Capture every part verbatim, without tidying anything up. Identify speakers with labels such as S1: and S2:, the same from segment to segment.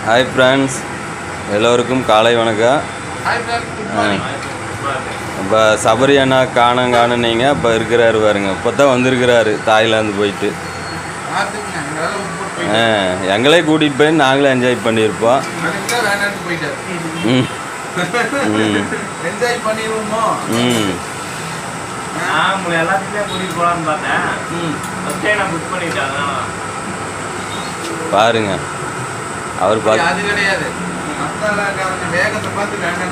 S1: Hi friends, எல்லோருக்கும் காலை வணக்கம். இப்போ சபரி அண்ணா காணம் காணுனீங்க. இப்போ இருக்கிறாரு பாருங்க, இப்போ தான் வந்திருக்கிறாரு தாய்லாந்து போயிட்டு. ஆ எங்களே கூட்டிகிட்டு போய் நாங்களே என்ஜாய் பண்ணியிருப்போம். ம் ம் ம் பாருங்க அவர் பார்த்து அது கிடையாது. வேகத்தை பார்த்து வேண்டாம்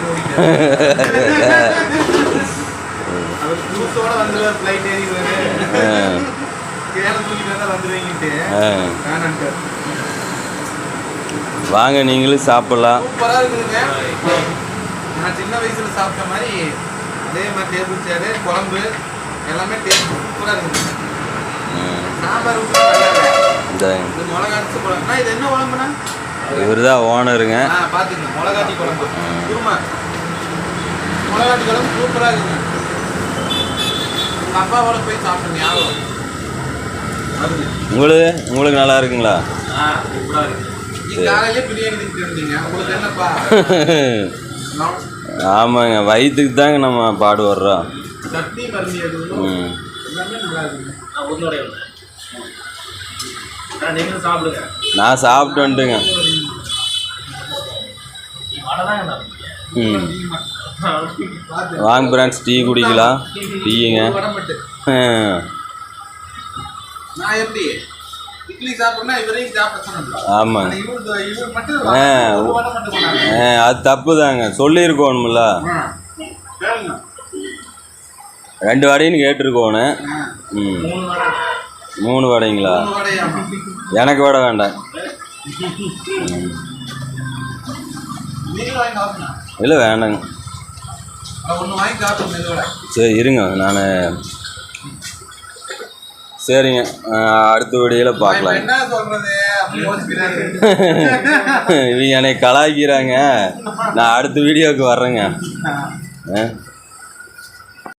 S1: வாங்க, நீங்களும் சாப்பிடலாம்.
S2: சூப்பராக இருக்குதுங்க. நான் சின்ன வயசுல சாப்பிட்ட மாதிரி அதே மாதிரி டேபிள் சேரு, குழம்பு எல்லாமே டேஸ்ட் சூப்பராக இருக்குது. சாம்பார் மிளகாச்சி குழம்புனா இது என்ன குழம்புனா?
S1: இவர் தான் ஓனருங்க.
S2: பார்த்துங்க, மிளகாச்சி குழம்பு குருமா மிளகாச்சி குழம்பு சூப்பராக இருக்குங்க. உங்கள் அப்பாவோட போய் சாப்பிடுங்க. யாரும்
S1: உங்களுக்கு உங்களுக்கு நல்லா இருக்குங்களா?
S2: காலையிலே பிரியாணி திட்டு இருந்தீங்க, உங்களுக்கு என்னப்பா?
S1: ஆமாங்க, வயிற்றுக்கு தாங்க நம்ம பாடு வர்றோம்.
S2: சட்னி மருந்து
S1: ம்
S2: எல்லாமே நல்லா இருக்குங்க. நீங்களும் சாப்பிடுங்க.
S1: நான் சாப்பிட்டு வந்துட்டுங்க. ம் வாங்க ஃப்ரெண்ட்ஸ், டீ குடிக்கலாம். டீயுங்க.
S2: நான் எப்படி இட்லி சாப்பிட்றேன்னா இவரையும் சாப்பிட
S1: ஆமாங்க. ஆ ஆ அது தப்பு தாங்க, சொல்லியிருக்கோணும்ல. ரெண்டு வடைன்னு கேட்டிருக்கோணும். ம் மூணு வடைங்களா? எனக்கு வடை வேண்டாம். இல்லை வேண்டாங்க. சரி இருங்க, நான் சரிங்க, அடுத்த வீடியோவில் பார்க்கலாம். இவங்க என்னை கலாய்க்கிறாங்க. நான் அடுத்த வீடியோவுக்கு வர்றேங்க. ஆ